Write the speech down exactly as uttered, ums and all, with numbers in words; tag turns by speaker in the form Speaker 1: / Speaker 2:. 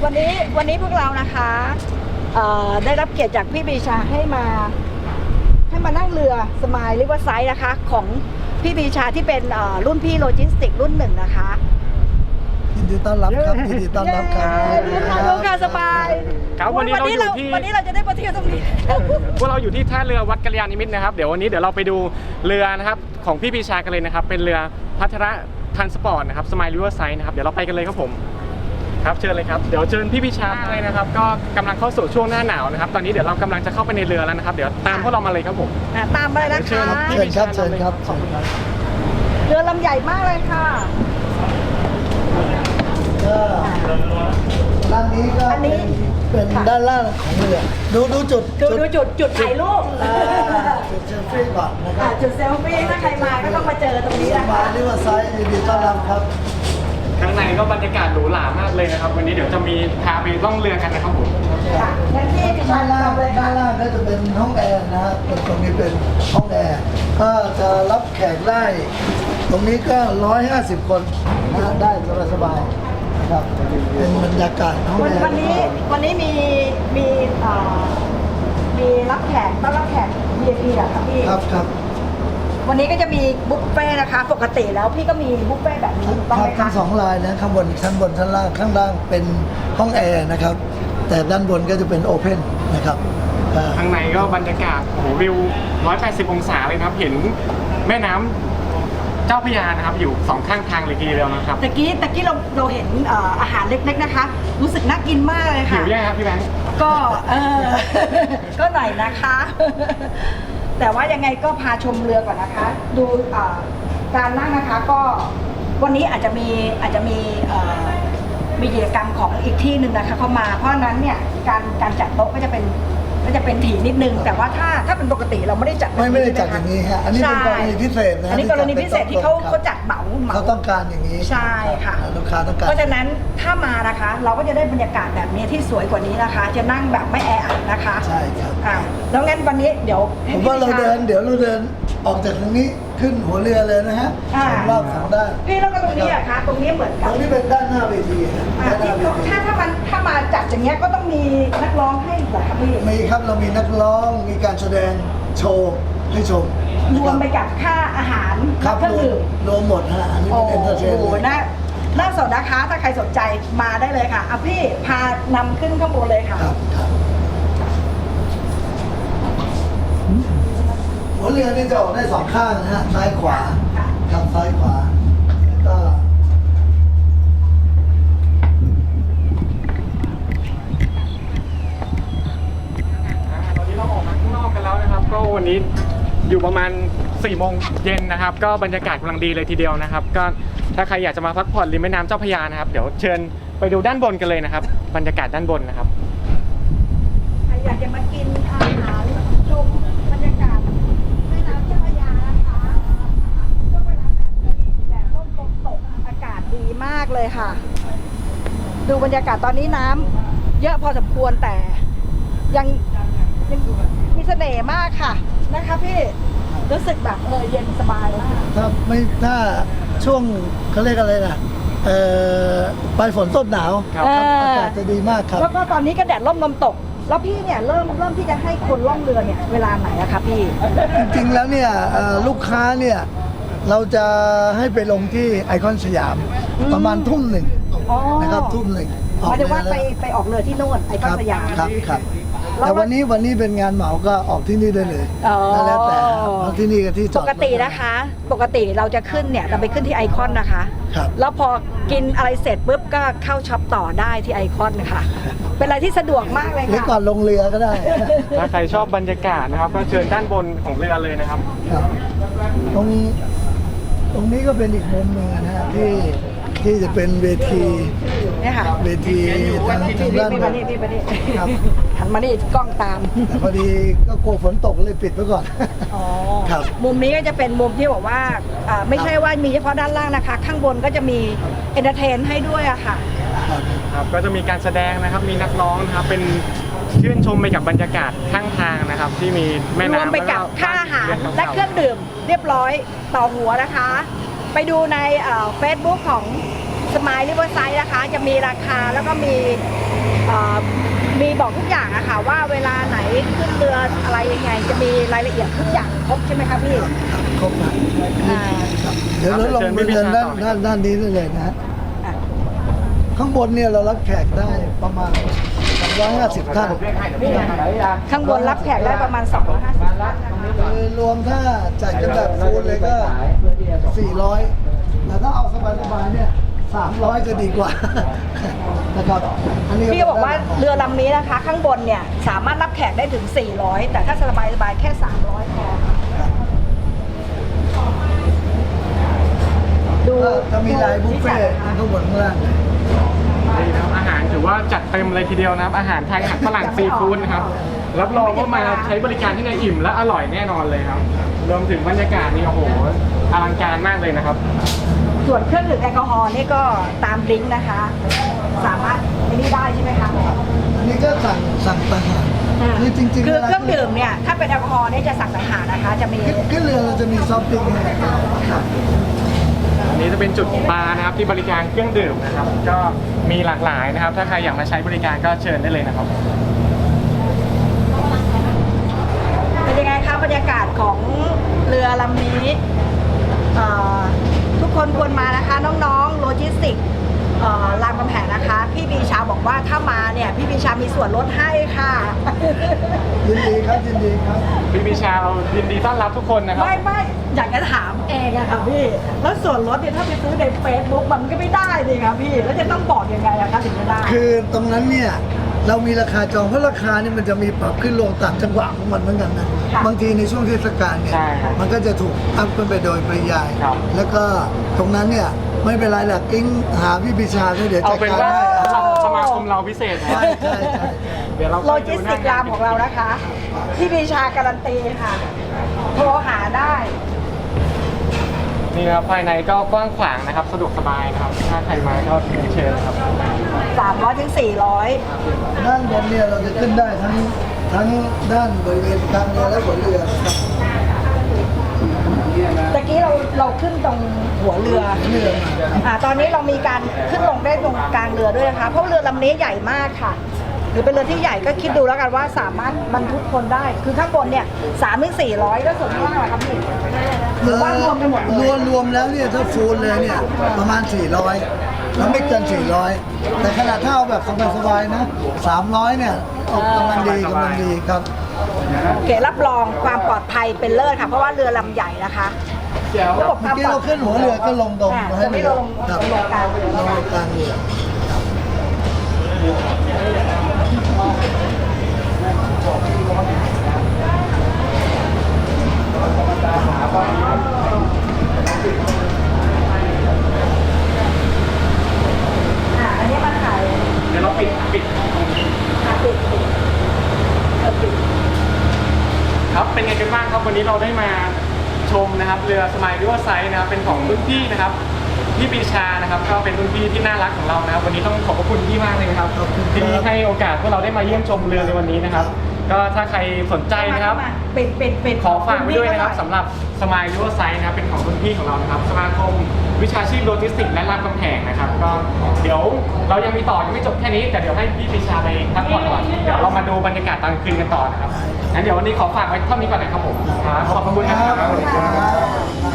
Speaker 1: วันนี้วันนี้พวกเรานะคะได้รับเกียรติจากพี่บีชาให้มาให้มานั่งเรือสมายริเวอร์ไซด์นะคะของพี่บีชาที่เป็นรุ่นพี่โลจิสติกรุ่นหนึ่งนะคะ
Speaker 2: ยินดีต้อนรับครับยินดีต้อนรับครับ
Speaker 1: ลูกค้าสบาย
Speaker 3: ครับวันนี้เราอยู่ที่
Speaker 1: วันนี้เราจะได้มาเที่ยวตรงนี้
Speaker 3: พวกเราอยู่ที่ท่าเรือวัดกัลยาณิมิตรนะครับเดี๋ยววันนี้เดี๋ยวเราไปดูเรือนะครับของพี่ปีชากันเลยนะครับเป็นเรือพัทระทันสปอร์ตนะครับสมายริเวอร์ไซด์นะครับเดี๋ยวเราไปกันเลยครับผมครับเชิญเลยครับเดี๋ยวเชิญพี่ปีชาเลยนะครับก็กำลังเข้าสู่ช่วงหน้าหนาวนะครับตอนนี้เดี๋ยวเรากำลังจะเข้าไปในเรือแล้วนะครับเดี๋ยวตามพวกเรามาเลยครับผม
Speaker 1: ตามมาเลยนะคะ
Speaker 2: เชิญครับเชิญครับ
Speaker 1: เรือลำใหญ่มากเลยค่ะ
Speaker 2: ด้านนี้ก็เป็นด้านล่างของเรือดูดูจุด
Speaker 1: ดูดูจุดจุดถ่ายรูป
Speaker 2: จุดเซลฟี่ก่อนนะครับ
Speaker 1: จุดเซลฟี่ถ้าใครมาก็ต้องมาเจอตรงนี้นะคะ
Speaker 2: มาริเวอร์ไซด์ยินดีต้อนรับครับ
Speaker 3: ข้างในก็บรรยากาศหรูหรามากเลยนะครับวันนี้เดี๋ยวจะมีพาไปล่องเรือกันนะครับผม
Speaker 2: ด้านล่างด้านล่างก็จะเป็นห้องแอร์นะฮะตรงนี้เป็นห้องแอร์ก็จะรับแขกได้ตรงนี้ก็ร้อยห้าสิบคนนะได้สบายๆครับเป็นบรรยากาศห้องแอร์
Speaker 1: วันนี้วันนี้มีมีมีรับแขกต้อนรับแขก วี ไอ พี อะค่ะพี่
Speaker 2: ครับครับ
Speaker 1: วันนี้ก็จะมีบุฟเฟ่นะคะปกติแล้วพี่ก็มีบุฟเฟ่แบบนี้ถูกต้องไหมคะ
Speaker 2: ทั้งสองลายนะข้างบนชั้นบนชั้นล่างข้างล่างเป็นห้องแอร์นะครับแต่ด้านบนก็จะเป็นโอเพนนะครับ
Speaker 3: ข้างในก็บรรยากาศโอ้โหวิวหนึ่งร้อยแปดสิบองศาเลยครับเห็นแม่น้ำเจ้าพระยานะครับอยู่สองข้างทางเลยทีเดียวนะครับ
Speaker 1: ตะกี้ตะกี้เราเราเห็นอาหารเล็กๆนะคะรู้สึกน่ากินมากเลยค่ะ
Speaker 3: หิวยังครับพี่แบงค์
Speaker 1: ก็เออก็หน่อยนะคะแต่ว่ายังไงก็พาชมเรือก่อนนะคะดูการนั่งนะคะก็วันนี้อาจจะมีอาจจะมีมีกิจกรรมของอีกที่หนึ่งนะคะเข้ามาเพราะนั้นเนี่ยการการจัดโต๊ะก็จะเป็นก็จะเป็นถี่นิดนึงแต่ว่าถ้าถ้าเป็นปกติเราไม่ได้จัด
Speaker 2: ไม่ไม่ได้จัดอย่างนี้ฮะอันนี้เป็นกรณีพิเศษนะ
Speaker 1: อันนี้กรณีพิเศษที่เขาเขาจัดเหมาเหมา
Speaker 2: เขาต้องการอย่างนี้
Speaker 1: ใช่ค่ะ
Speaker 2: ลูกค้าต้องการ
Speaker 1: เพราะฉะนั้นถ้ามานะคะเราก็จะได้บรรยากาศแบบนี้ที่สวยกว่านี้นะคะจะนั่งแบบไม่แออัดนะคะ
Speaker 2: ใช่ครับ
Speaker 1: แล้วงั้นวันนี้เดี๋ยว
Speaker 2: ผมว่าเราเดินเดี๋ยวเราเดินออกจากตรงนี้ขึ้นหัวเรือเลยนะฮะสองรอบสองด้าน
Speaker 1: พี่แล้วก็ตรงนี้อะคะตรงนี้เหมือนกัน
Speaker 2: ตรงนี้เป็นด้านหน้าเวที
Speaker 1: ถ้าถ้ามันถ้ามาจัดอย่างเงี้ยก็ต้องมีนักร้องให้เหรอครับพี่
Speaker 2: มีครับเรามีนักร้องมีการแสดงโชว์ให้ชม
Speaker 1: รวมไปกับค่าอาหาร
Speaker 2: เครื่องดื่มรวมหมดฮะอันนี้เป็นเอนเตอร์เทน
Speaker 1: โอ้โหน่าน่าสนนะคะถ้าใครสนใจมาได้เลยค่ะอ่ะพี่พานำขึ้นข้างบนเลยค่ะ
Speaker 2: ครับครับหัวเรือนี่จะออกได้สองข้างนะฮะซ้ายขวาครับซ้ายขวาแล้วก็
Speaker 3: ตอนนี้เราออกมาข้างนอกกันแล้วนะครับก็วันนี้อยู่ประมาณสี่โมงเย็นนะครับก็บรรยากาศกำลังดีเลยทีเดียวนะครับก็ถ้าใครอยากจะมาพักผ่อนริมแม่น้ำเจ้าพระยานะครับเดี๋ยวเชิญไปดูด้านบนกันเลยนะครับบรรยากาศด้านบนนะครับ
Speaker 1: ใครอยากจะมากินอาหารชมบรรยากาศแม่น้ำเจ้าพระยานะคะช่วงเวลาแบบนี้แดดร่มลมตกอากาศดีมากเลยค่ะดูบรรยากาศตอนนี้น้ำเยอะพอสมควรแต่ยังยังมีเสน่ห์มากค่ะนะคะพี่รู้สึกแบบเออเย็นสบายมาก
Speaker 2: ถ้าไม่ถ้าช่วงเขาเรียกอะไรนะเอ่อปลายฝนต้นหนาวอากาศจะดีมากครับ
Speaker 1: แล้วก็ตอนนี้ก็แดดร่มลมตกแล้วพี่เนี่ยเริ่มเริ่มที่จะให้คนล่องเรือเนี่ยเวลาไหนอะคะพี่
Speaker 2: จริงๆแล้วเนี่ยลูกค้าเนี่ยเราจะให้ไปลงที่ไอคอนสยามประมาณทุ่มหนึ่งนะครับทุ่มหนึ่ง
Speaker 1: หมายถึงว่าไปไปออกเรือที่โน่นไอคอนสยาม
Speaker 2: ครับครับแต่วันนี้วันนี้เป็นงานเหมาก็ออกที่นี่ได้เลยแล้วแต่ที่นี่กับที่จอด
Speaker 1: ปกตินะคะปกติเราจะขึ้นเนี่ยเราไปขึ้นที่ไอคอนนะคะแล้วพอกินอะไรเสร็จปุ๊บก็เข้าช็อปต่อได้ที่ไอคอนนะคะเป็นอะไรที่สะดวกมากเลยค่ะหรือ
Speaker 2: ก่อนลงเรือก็ได้
Speaker 3: ถ้าใครชอบบรรยากาศนะครับก็เชิญด้านบนของเรือเลยนะครับ
Speaker 2: ตรงตรงนี้ก็เป็นอีกมุมหนึ่งนะฮะที่ที่จะเป็นเวที
Speaker 1: เนี่ยค่ะ
Speaker 2: เวทีทางทางด้าน
Speaker 1: บนพี่มานี่ครับหันมานี่กล้องตาม
Speaker 2: พอดีก็กลัวฝนตกเลยปิดไว้ก่อน
Speaker 1: อ๋อครับมุมนี้ก็จะเป็นมุมที่บอกว่าไม่ใช่ว่ามีเฉพาะด้านล่างนะคะข้างบนก็จะมีเอนเตอร์เทนให้ด้วยอะค่ะ
Speaker 3: ครับก็จะมีการแสดงนะครับมีนักร้องนะครับเป็นชื่นชมไปกับบรรยากาศข้างทางนะครับที่มีแม่น้ำรว
Speaker 1: มไปกับค่าอาหารและเครื่องดื่มเรียบร้อยต่อหัวนะคะไปดูในเฟซบุ๊กของสมายริเวอร์ไซด์นะคะจะมีราคาแล้วก็มีเอ่อมีบอกทุกอย่างอะค่ะว่าเวลาไหนขึ้นเรืออะไรยังไง จะมีรายละเอียดทุกอย่างครบใช่ไหมคะพี่
Speaker 2: ครบนะ
Speaker 1: อ่า
Speaker 2: เดี๋ยวเราลงไปเดินด้านด้านด้านนี้ได้เลยนะ
Speaker 1: อ่ะ
Speaker 2: ข้างบนเนี่ยเรารับแขกได้ประมาณสองร้อยห้าสิบท่าน
Speaker 1: ข้างบนรับแขกได้ประมาณสองร้อยห้าสิบท่านนะคะ
Speaker 2: คือรวมถ้าจัดกันแบบฟูลเลยก็สี่ร้อยแต่ถ้าเอาสบายๆเนี่ยสามร้อยจะดีกว่า นะครับอันนี้
Speaker 1: พี่ก็บอกว่าเรือลำนี้นะคะ ข้างบนเนี่ยสามารถรับแขกได้ถึงสี่ร้อยแต่ถ้าสบายสบายๆแค่สามร้อยพอดู
Speaker 2: ก็จะมีลายบุฟเฟ่ต์ข้างบนข้างล่าง
Speaker 3: นี่นะครับอาหารถือว่าจัดเต็มเลยทีเดียวนะครับ อาหารไทยอาหารฝรั่งซีฟู้ดนะครับรับรองว่ามาใช้บริการที่ไหนอิ่มและอร่อยแน่นอนเลยครับรวมถึงบรรยากาศนี่โอ้โหอลังการมากเลยนะครับ
Speaker 1: ส่วนเครื่องดื่มแอลกอฮอล์นี่ก็ตามลิงก์นะคะ สามารถไอ้นี่ได้ใช่ไหมคะ
Speaker 2: อันนี้ก็สั่งสั่งต่างหากคือจริงๆ
Speaker 1: คือเครื่องดื่มเนี่ยถ้าเป็นแอลกอฮอล์เนี่ยจะสั่งต่างหากนะคะ จะมี
Speaker 2: ขึ้นขึ้นเรือเราจะมีซอฟต์ดริงก์ให้ครับ
Speaker 3: อันนี้จะเป็นจุดบาร์นะครับที่บริการเครื่องดื่มนะครับ ก็มีหลากหลายนะครับ ถ้าใครอยากมาใช้บริการก็เชิญได้เลยนะครับ
Speaker 1: เป็นยังไงคะบรรยากาศของเรือลำนี้เอ่อทุกคนควรมานะคะ น้องๆโลจิสติกส์เอ่อรามคำแหงนะคะ พี่ปีชาบอกว่าถ้ามาเนี่ยพี่ปีชามีส่วนลดให้ค่ะ
Speaker 2: ยินดีครับยินดีครับ
Speaker 3: พี่ปีชาเรายินดีต้อนรับทุกคนนะครับ
Speaker 1: ไม่ไม่อยากจะถามเองอะค่ะพี่ แล้วส่วนลดเนี่ยถ้าไปซื้อในเฟซบุ๊กมันก็ไม่ได้สิครับพี่ แล้วจะต้องบอกยังไงอะคะถึงจะได้
Speaker 2: คือตรงนั้นเนี่ยเรามีราคาจองเพราะราคานี่มันจะมีปรับขึ้นลงตามจังหวะของมันเหมือนกันนะ
Speaker 1: ค่ะ
Speaker 2: บางทีในช่วงเทศกาลเนี่ย
Speaker 3: ใช่ครับ
Speaker 2: มันก็จะถูกอัพขึ้นไปโดยปริยาย
Speaker 3: ครับ
Speaker 2: แล้วก็ตรงนั้นเนี่ยไม่เป็นไรหรอกกิ้งหาพี่ปิชาด้วยเดี๋ยว
Speaker 3: เอา
Speaker 2: จัด
Speaker 3: เป็น
Speaker 2: การ
Speaker 3: ว่า
Speaker 2: ให้
Speaker 3: สมาคมเราพิเศษนะ
Speaker 2: ใช่ใช่ใช่
Speaker 3: เดี๋ยวเรา
Speaker 1: โลจิสติกรามของเรานะคะ พี่ปีชาการันตีค่ะ โทรหาได้
Speaker 3: นี่นะครับภายในก็กว้างขวางนะครับ สะดวกสบายนะครับ ถ้าใครมาก็เชิญนะครับ
Speaker 1: สามร้อยถึงสี่ร้อย
Speaker 2: ด้านบนเนี่ยเราจะขึ้นได้ทั้งทั้งด้านบริเวณกลางเรือและหัวเรือครับ
Speaker 1: ตะกี้เราเราขึ้นตรงหัวเรือ
Speaker 2: หัวเรือมา
Speaker 1: อ่าตอนนี้เรามีการขึ้นลงได้ตรงกลางเรือด้วยนะคะ เพราะเรือลำนี้ใหญ่มากค่ะ หรือเป็นเรือที่ใหญ่ก็คิดดูแล้วกันว่าสามารถบรรทุกคนได้ คือข้างบนเนี่ยสามถึงสี่ร้อยแล้วส่วนข้างล่างล่ะครับพี่หรือว่ารวมกันหมดเล
Speaker 2: ร
Speaker 1: ยว
Speaker 2: มรวมแล้วเนี่ยถ้าฟูลเลยเนี่ยประมาณสี่ร้อยแล้วไม่เกินสี่ร้อยแต่ขนาดถ้าเอาแบบสบายๆนะสามร้อยเนี่ยเอากำลังดีกำลังดีครับ
Speaker 1: โอเครับรองความปลอดภัยเป็นเลิศค่ะ เพราะว่าเรือลำใหญ่นะคะระบบค
Speaker 2: เมื่อ
Speaker 1: วาม
Speaker 2: กี้
Speaker 1: ปลอ
Speaker 2: เรา
Speaker 1: ดภั
Speaker 2: ขึ้
Speaker 1: ย
Speaker 2: นหัวเรือก็ลงตรง
Speaker 1: อ่า
Speaker 2: ให้
Speaker 1: จะไม่
Speaker 2: เรือ
Speaker 1: ลง
Speaker 2: ครับ
Speaker 1: ลงกลางเรือ
Speaker 2: ลงกลางเรือ
Speaker 1: อ่าอันนี้มาถ่าย
Speaker 3: เดี๋ยวเราปิดปิด
Speaker 1: อ่าปิดปิดเออปิด
Speaker 3: ครับเป็นไงกันบ้างครับวันนี้เราได้มาชมนะครับเรือสมายริเวอร์ไซด์นะครับเป็นของรุ่นพี่นะครับพี่ปีชานะครับก็เป็นรุ่นพี่ที่น่ารักของเรานะครับ วันนี้ต้องขอบพระคุณพี่มากเลยนะครับ
Speaker 2: ขอบคุณครับ
Speaker 3: ที่ให้โอกาสพวกเราได้มาเยี่ยมชมเรือในวันนี้นะครับ ก็ถ้าใครสนใจนะครับ
Speaker 1: ปิดปิดปิด
Speaker 3: ขอฝากไว้ด้วยนะครับสำหรับสมายริเวอร์ไซด์นะครับเป็นของรุ่นพี่ของเรานะครับสมาคมวิชาชีพโลจิสติกส์และรามคำแหงนะครับก็เดี๋ยวเรายังมีต่อยังไม่จบแค่นี้แต่เดี๋ยวให้พี่ปีชาไปพักผ่อนก่อนเดี๋ยวเรามาดูบรรยากาศตอนกลางคืนกันต่อนะครับงั้นเดี๋ยววันนี้ขอฝากไว้เท่านี้ก่อนนะครับผมครับขอบคุณนะครับ
Speaker 2: ครับ